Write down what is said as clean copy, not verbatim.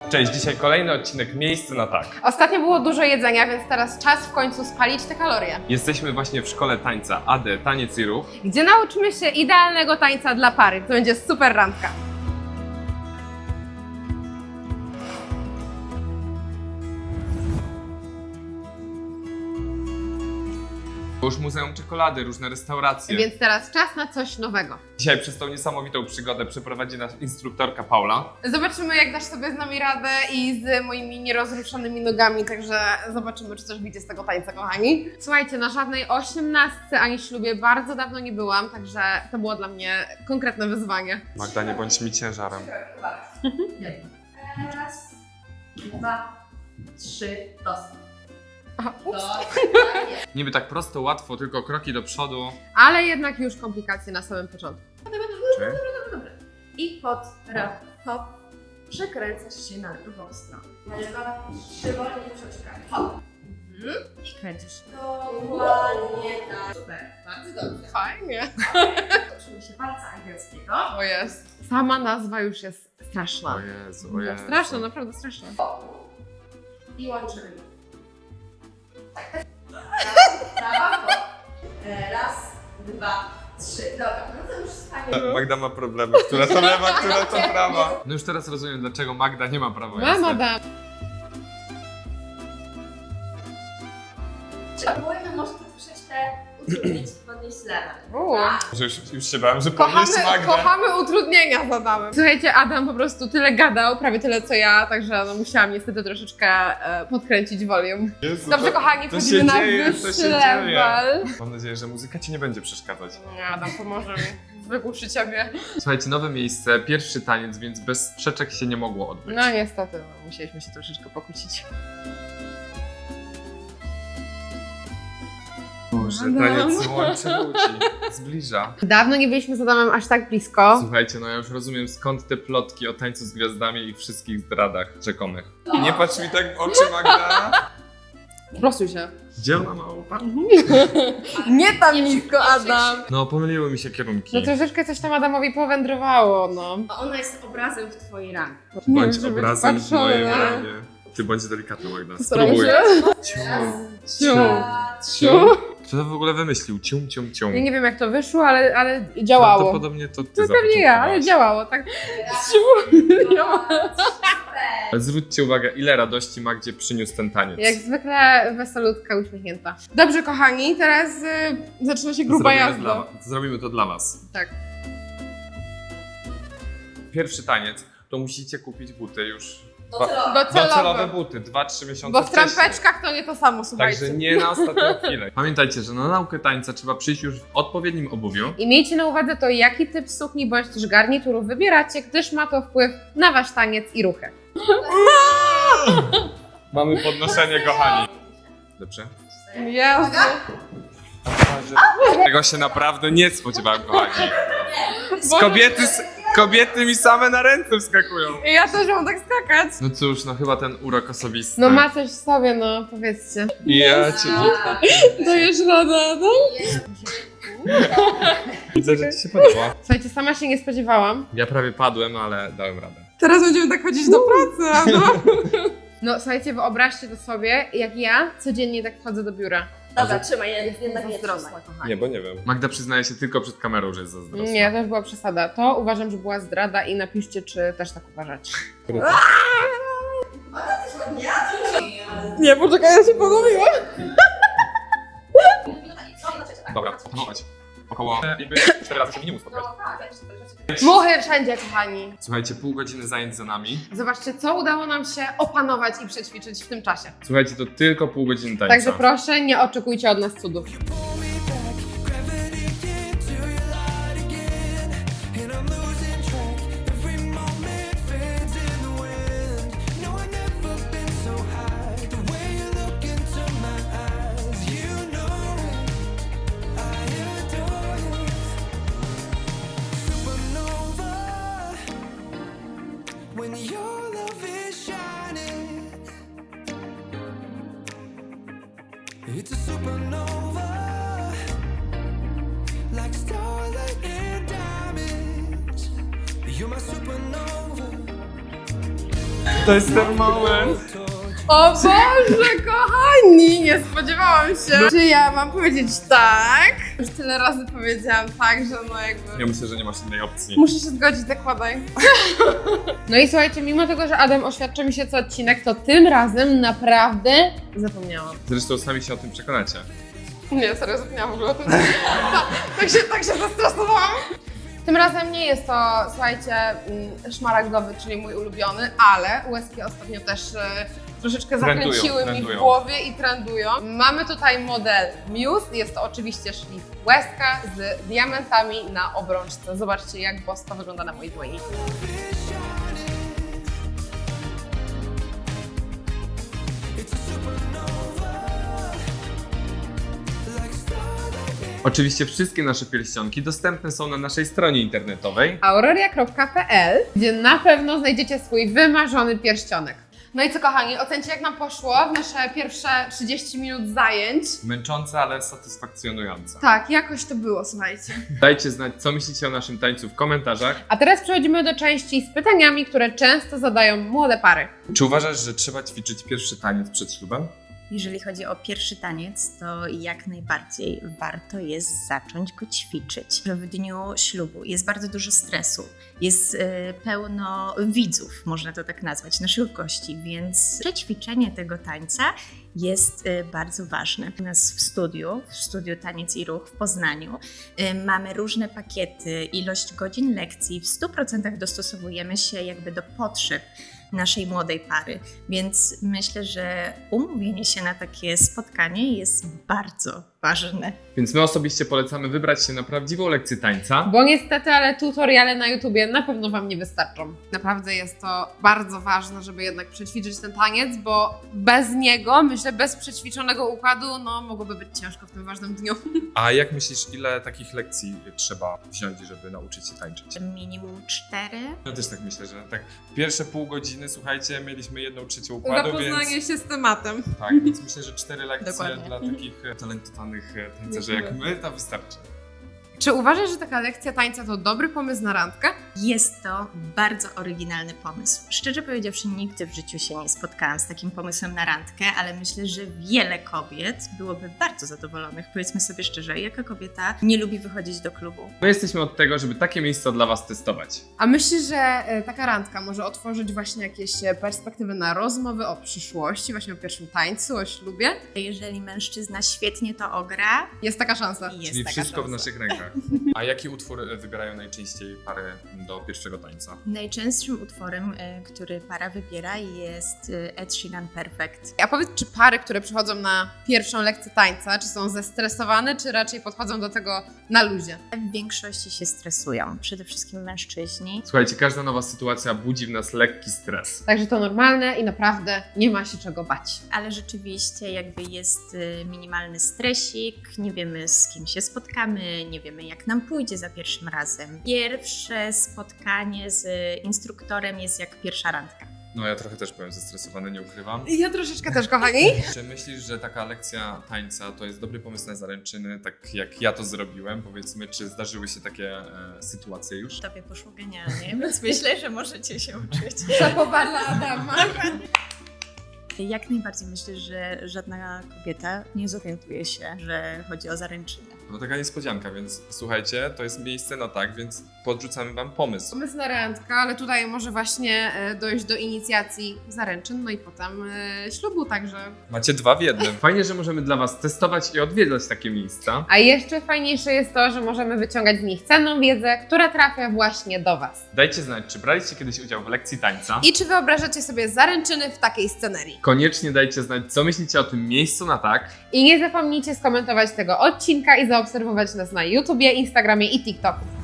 Cześć, dzisiaj kolejny odcinek Miejsce na tak. Ostatnio było dużo jedzenia, więc teraz czas w końcu spalić te kalorie. Jesteśmy właśnie w szkole tańca AD Taniec i Ruch. Gdzie nauczymy się idealnego tańca dla pary. To będzie super randka. Bo już Muzeum Czekolady, różne restauracje. Więc teraz czas na coś nowego. Dzisiaj przez tą niesamowitą przygodę przeprowadzi nas instruktorka Paula. Zobaczymy, jak dasz sobie z nami radę i z moimi nierozruszonymi nogami, także zobaczymy, czy coś wyjdzie z tego tańca, kochani. Słuchajcie, na żadnej 18 ani ślubie bardzo dawno nie byłam, także to było dla mnie konkretne wyzwanie. Magda, nie bądź mi ciężarem. Raz, dwa, trzy, dostęp. Aha, ups. Niby tak prosto, łatwo, tylko kroki do przodu. Ale jednak już komplikacje na samym początku. Czy? Dobra. I pod rap, hop, przekręcasz się na drugą stronę. Przywolnie troszeczkę. Hop. I kręcisz. Dokładnie tak. Super, bardzo dobrze. Fajnie. Uczymy się palca angielskiego. O jest. Sama nazwa już jest straszna. O Jezu, o Jezu. Straszna, naprawdę straszna. I łączymy. Prawa, hop. Raz, dwa, trzy. Dobra, no to już fajnie. Magda ma problemy, która to lewa, która to prawa. No już teraz rozumiem, dlaczego Magda nie ma prawa jazdy. Mama da. Próbujmy może to troszeczkę utrudnić, podnieść lewe. Że już się bałem, że podnieść Magdę. Kochamy utrudnienia zadamy. Słuchajcie, Adam po prostu tyle gadał, prawie tyle co ja, także no musiałam niestety troszeczkę podkręcić volume. Jezu, Dobrze, kochani, to wchodzimy się na dzieje, wyższy level. Mam nadzieję, że muzyka ci nie będzie przeszkadzać. Nie, Adam pomoże mi. Wygłuszy ciebie. Słuchajcie, nowe miejsce, pierwszy taniec, więc bez sprzeczek się nie mogło odbyć. No niestety, musieliśmy się troszeczkę pokłócić. Boże, taniec łączy ludzi, zbliża. Dawno nie byliśmy z Adamem aż tak blisko. Słuchajcie, no ja już rozumiem, skąd te plotki o tańcu z gwiazdami i wszystkich zdradach rzekomych. I nie patrz mi tak w oczy, Magda. Prostuj się. Gdzie ona ma łopatę? Nie tam nisko, Adam. No, pomyliły mi się kierunki. No troszeczkę coś tam Adamowi powędrowało, no. A ona jest obrazem w twojej ranie. Bądź żeby być obrazem w patrzona. mojej ramię. Ty bądź delikatna, Magda. Staram Spróbuj. się. Ciu. Ciu. Kto to w ogóle wymyślił? Cium, cium, cium. Ja nie wiem jak to wyszło, ale działało. Prawdopodobnie to ty To pewnie ja, ale zapoczątkowałaś. działało, tak. Ale zwróćcie uwagę, ile radości Magdzie przyniósł ten taniec. Jak zwykle wesolutka uśmiechnięta. Dobrze, kochani, teraz zaczyna się gruba jazda. Zrobimy to dla was. Tak. Pierwszy taniec, to musicie kupić buty już. Docelowe. Docelowe buty, 2-3 miesiące Bo w wcześniej. trampeczkach to nie to samo, słuchajcie. Także nie na ostatnią chwilę. Pamiętajcie, że na naukę tańca trzeba przyjść już w odpowiednim obuwiu. I miejcie na uwadze to, jaki typ sukni bądź też garniturów wybieracie, gdyż ma to wpływ na wasz taniec i ruchy. Mamy podnoszenie, kochani. Dobrze? Jezu. Tego się naprawdę nie spodziewałem, kochani. Kobiety mi same na ręce wskakują. Ja też mam tak skakać. No cóż, no chyba ten urok osobisty. No ma coś w sobie, no powiedzcie. Ja cię Dajesz radę, no? widzę, że ci się podoba. Słuchajcie, sama się nie spodziewałam. Ja prawie padłem, ale dałem radę. Teraz będziemy tak chodzić do pracy, no. No słuchajcie, wyobraźcie to sobie, jak ja codziennie tak chodzę do biura. Dobra, trzymaj, jednak nie Zazdrosna, trzymaj. kochani. Nie, bo nie wiem. Magda przyznaje się tylko przed kamerą, że jest zazdrosna. Nie, to już była przesada. To uważam, że była zdrada i napiszcie, czy też tak uważacie. Nie, poczekaj, ja się pomyliłam. Dobra, panować. Około jakby 4 razy się minimum spotkać. Muchy wszędzie, kochani. Słuchajcie, pół godziny zajęć za nami. Zobaczcie, co udało nam się opanować i przećwiczyć w tym czasie. Słuchajcie, to tylko pół godziny tańca. Także proszę, nie oczekujcie od nas cudów. When your love is shining, it's a supernova, like starlight and diamonds. You're my supernova. To jest ten moment. O Boże, kochani, nie spodziewałam się. Czy ja mam powiedzieć tak? Już tyle razy powiedziałam tak, że no jakby... Ja myślę, że nie masz innej opcji. Muszę się zgodzić, zakładaj. No i słuchajcie, mimo tego, że Adam oświadcza mi się co odcinek, to tym razem naprawdę zapomniałam. Zresztą sami się o tym przekonacie. Nie, serio, zapomniałam w ogóle o tym. Tak się zestresowałam. Tym razem nie jest to, słuchajcie, szmaragdowy, czyli mój ulubiony, ale łezki ostatnio też troszeczkę zakręciły mi w głowie i trendują. Mamy tutaj model Muse, jest to oczywiście szlif łezka z diamentami na obrączce. Zobaczcie, jak bosko wygląda na mojej dłoni. Oczywiście wszystkie nasze pierścionki dostępne są na naszej stronie internetowej. auroria.pl, gdzie na pewno znajdziecie swój wymarzony pierścionek. No i co kochani, ocencie jak nam poszło w nasze pierwsze 30 minut zajęć. Męczące, ale satysfakcjonujące. Tak, jakoś to było, słuchajcie. Dajcie znać, co myślicie o naszym tańcu w komentarzach. A teraz przechodzimy do części z pytaniami, które często zadają młode pary. Czy uważasz, że trzeba ćwiczyć pierwszy taniec przed ślubem? Jeżeli chodzi o pierwszy taniec, to jak najbardziej warto jest zacząć go ćwiczyć. W dniu ślubu jest bardzo dużo stresu, jest pełno widzów, można to tak nazwać, naszych gości, więc przećwiczenie tego tańca jest bardzo ważne. U nas w studiu Taniec i Ruch w Poznaniu mamy różne pakiety, ilość godzin lekcji, w 100% dostosowujemy się jakby do potrzeb naszej młodej pary, więc myślę, że umówienie się na takie spotkanie jest bardzo ważne. Więc my osobiście polecamy wybrać się na prawdziwą lekcję tańca. Bo niestety, ale tutoriale na YouTubie na pewno Wam nie wystarczą. Naprawdę jest to bardzo ważne, żeby jednak przećwiczyć ten taniec, bo bez niego, myślę, bez przećwiczonego układu, no mogłoby być ciężko w tym ważnym dniu. A jak myślisz, ile takich lekcji trzeba wziąć, żeby nauczyć się tańczyć? Minimum 4. Ja też tak myślę, że tak pierwsze pół godziny, słuchajcie, mieliśmy 1/3 układu, Zapoznanie więc... się z tematem. Tak, więc myślę, że 4 lekcje Dokładnie. dla takich talentowanych tańcerzy jak my, to wystarczy. Czy uważasz, że taka lekcja tańca to dobry pomysł na randkę? Jest to bardzo oryginalny pomysł. Szczerze powiedziawszy, nigdy w życiu się nie spotkałam z takim pomysłem na randkę, ale myślę, że wiele kobiet byłoby bardzo zadowolonych. Powiedzmy sobie szczerze, jaka kobieta nie lubi wychodzić do klubu? My jesteśmy od tego, żeby takie miejsca dla Was testować. A myślisz, że taka randka może otworzyć właśnie jakieś perspektywy na rozmowy o przyszłości, właśnie o pierwszym tańcu, o ślubie? Jeżeli mężczyzna świetnie to ogra, Jest taka szansa. jest Czyli taka wszystko w szansa. naszych rękach. A jaki utwór wybierają najczęściej pary do pierwszego tańca? Najczęstszym utworem, który para wybiera, jest Ed Sheeran Perfect. A powiedz, czy pary, które przychodzą na pierwszą lekcję tańca, czy są zestresowane, czy raczej podchodzą do tego na luzie? W większości się stresują, przede wszystkim mężczyźni. Słuchajcie, każda nowa sytuacja budzi w nas lekki stres. Także to normalne i naprawdę nie ma się czego bać. Ale rzeczywiście jakby jest minimalny stresik, nie wiemy z kim się spotkamy, nie wiemy jak nam pójdzie za pierwszym razem. Pierwsze spotkanie z instruktorem jest jak pierwsza randka. No ja trochę też byłem zestresowany, nie ukrywam. Ja troszeczkę też, kochani. Czy myślisz, że taka lekcja tańca to jest dobry pomysł na zaręczyny, tak jak ja to zrobiłem? Powiedzmy, czy zdarzyły się takie sytuacje już? Tobie poszło genialnie, więc myślę, że możecie się uczyć. Szapoba dla Adama. Jak najbardziej myślę, że żadna kobieta nie zorientuje się, że chodzi o zaręczynę. To taka niespodzianka, więc słuchajcie, to jest miejsce na tak, więc podrzucamy Wam pomysł. Pomysł na randkę, ale tutaj może właśnie dojść do inicjacji zaręczyn, no i potem ślubu, także. Macie 2 w 1. Fajnie, że możemy dla Was testować i odwiedzać takie miejsca. A jeszcze fajniejsze jest to, że możemy wyciągać z nich cenną wiedzę, która trafia właśnie do Was. Dajcie znać, czy braliście kiedyś udział w lekcji tańca. I czy wyobrażacie sobie zaręczyny w takiej scenerii? Koniecznie dajcie znać, co myślicie o tym miejscu na tak. I nie zapomnijcie skomentować tego odcinka i zaobserwować nas na YouTubie, Instagramie i TikToku.